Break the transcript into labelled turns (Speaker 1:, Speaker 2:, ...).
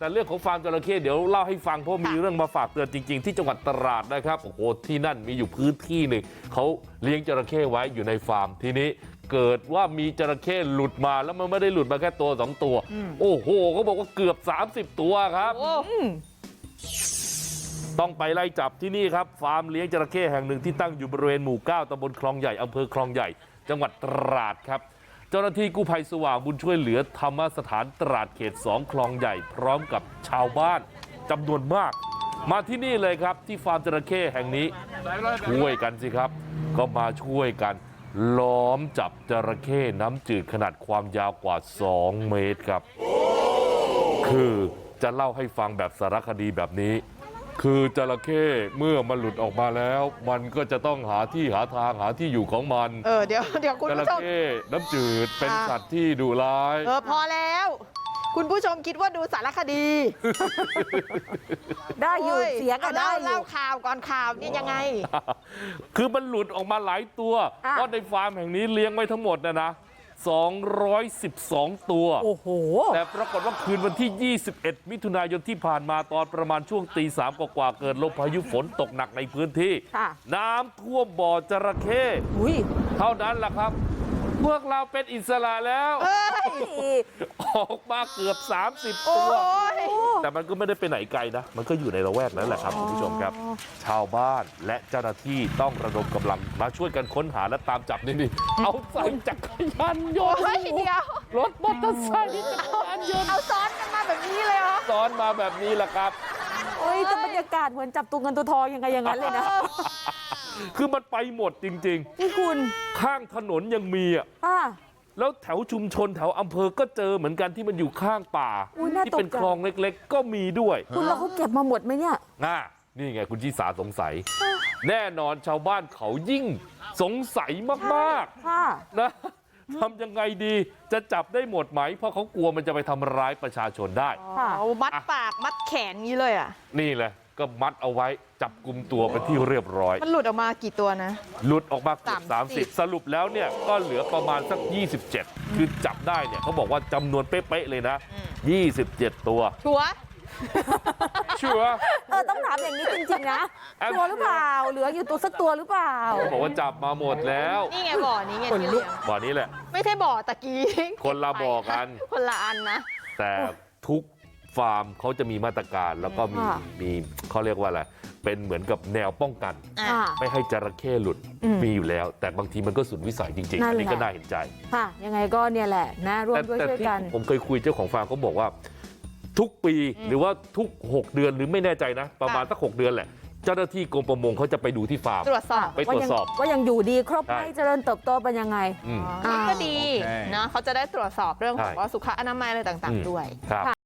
Speaker 1: แต่เรื่องของฟาร์มจระเข้เดี๋ยวเล่าให้ฟังเพราะมีเรื่องมาฝากเตือนจริงๆที่จังหวัดตราดนะครับโอ้โหที่นั่นมีอยู่พื้นที่หนึ่งเขาเลี้ยงจระเข้ไว้อยู่ในฟาร์มทีนี้เกิดว่ามีจระเข้หลุดมาแล้วมันไม่ได้หลุดมาแค่ตัว2ตัวโอ้โหเขาบอกว่าเกือบ30ตัวครับต้องไปไล่จับที่นี่ครับฟาร์มเลี้ยงจระเข้แห่งหนึ่งที่ตั้งอยู่บริเวณหมู่9ตำบลคลองใหญ่อำเภอคลองใหญ่จังหวัดตราดครับเจ้าหน้าที่กู้ภัยสว่างบุญช่วยเหลือธรรมสถานตราดเขต2คลองใหญ่พร้อมกับชาวบ้านจำนวนมากมาที่นี่เลยครับที่ฟาร์มจระเข้แห่งนี้ช่วยกันสิครับก็มาช่วยกันล้อมจับจระเข้น้ำจืดขนาดความยาวกว่า2เมตรครับคือจะเล่าให้ฟังแบบสารคดีแบบนี้คือจระเข้เมื่อมันหลุดออกมาแล้วมันก็จะต้องหาที่หาทางหาที่อยู่ของมัน
Speaker 2: เดี๋ยวคุณผู้ชม
Speaker 1: จระเข้น้ำจืดเป็นสัตว์ที่ดุร้าย
Speaker 2: พอแล้วคุณผู้ชมคิดว่าดูสารคดี
Speaker 3: ได้อยู่เสียงก็ได้อยู่
Speaker 2: เล่าข่าวก่อนข่าวนี่ยังไง
Speaker 1: คือมันหลุดออกมาหลายตัวเพราะในฟาร์มแห่งนี้เลี้ยงไว้ทั้งหมดนะ212ตัว
Speaker 3: โอ้โห
Speaker 1: แต่ปรากฏว่าคืนวันที่21มิถุนายนที่ผ่านมาตอนประมาณช่วงตี3กว่าเกิดลมพายุฝนตกหนักในพื้นที่น้ำท่วมบ่อจระเข้เท่านั้นแหละครับพวกเราเป็นอิสระแล้วออกมาเกือบ30ตัวแต่มันก็ไม่ได้ไปไหนไกลนะมันก็อยู่ในละแวกนั้นแหละครับคุณผู้ชมครับชาวบ้านและเจ้าหน้าที่ต้องระดมกำลังมาช่วยกันค้นหาและตามจับนี่เอาใส่จักรยานยนต์รถมอเตอร์ไซค์จักรยานยนต์
Speaker 2: เอาซ้อนกันมาแบบนี้เลยเหรอ
Speaker 1: ซ้อนมาแบบนี้แหละครับ
Speaker 3: โอ้ยแต่บรรยากาศเหมือนจับตัวเงินตัวทองยังไงอย่างนั้นเลยนะ
Speaker 1: คือมันไปหมดจริง
Speaker 3: ๆนี่คุณ
Speaker 1: ข้างถนนยังมีแล้วแถวชุมชนแถวอำเภอก็เจอเหมือนกันที่มันอยู่ข้างป่าที่เป็นคลองเล็กๆก็มีด้วย
Speaker 3: คุณเราเขาเก็บมาหมดไหมเนี่ย
Speaker 1: นี่ไงคุณชิสาสงสัยแน่นอนชาวบ้านเขายิ่งสงสัยมากๆนะทำยังไงดีจะจับได้หมดไหมเพราะเขากลัวมันจะไปทำร้ายประชาชนได้
Speaker 2: มัดปากมัดแขนนี้เลย
Speaker 1: นี่แหละก็มัดเอาไว้จับกุมตัวไปที่เรียบร้อย
Speaker 2: มันหลุดออกมากี่ตัวนะ
Speaker 1: หลุดออกมาเกือบ30สรุปแล้วเนี่ยก็เหลือประมาณสัก27คือจับได้เนี่ยเขาบอกว่าจำนวนเป๊ะๆเลยนะ27ตัว
Speaker 2: ชัวร์
Speaker 3: ต้องถามอย่างนี้จริงๆนะชัวร์หรือเปล่าเหลืออยู่ตัวสักตัวหรือเปล่า
Speaker 1: เขาบอกว่าจับมาหมดแล้ว
Speaker 2: นี่ไงบ่อนี้ไง
Speaker 1: บ่อนี้แหละ
Speaker 2: ไม่ใช่บ่อตะกี้
Speaker 1: คนละบ่อกัน
Speaker 2: คนละอันนะ
Speaker 1: แต่ทุกฟาร์มเขาจะมีมาตรการแล้วก็มีเขาเรียกว่าอะไรเป็นเหมือนกับแนวป้องกันไม่ให้จระเข้หลุดมีอยู่แล้วแต่บางทีมันก็สุดวิสัยจริงๆอันนี้ก็น่าเห็นใจ
Speaker 3: ยังไงก็เนี่ยแหละนะร่วมด้วยช่วยกัน
Speaker 1: ผมเคยคุยเจ้าของฟาร์มเขาบอกว่าทุกปีหรือว่าทุก6เดือนหรือไม่แน่ใจนะประมาณสัก6เดือนแหละเจ้าหน้าที่กรมประมงเขาจะไปดูที่ฟาร์มไปตรวจสอบ
Speaker 3: ว่ายังอยู่ดีครบไหมเจริญเติบโตเป็นยังไง
Speaker 2: ก็ดีนะเขาจะได้ตรวจสอบเรื่องของสุขอนามัยอะไรต่างๆด้วย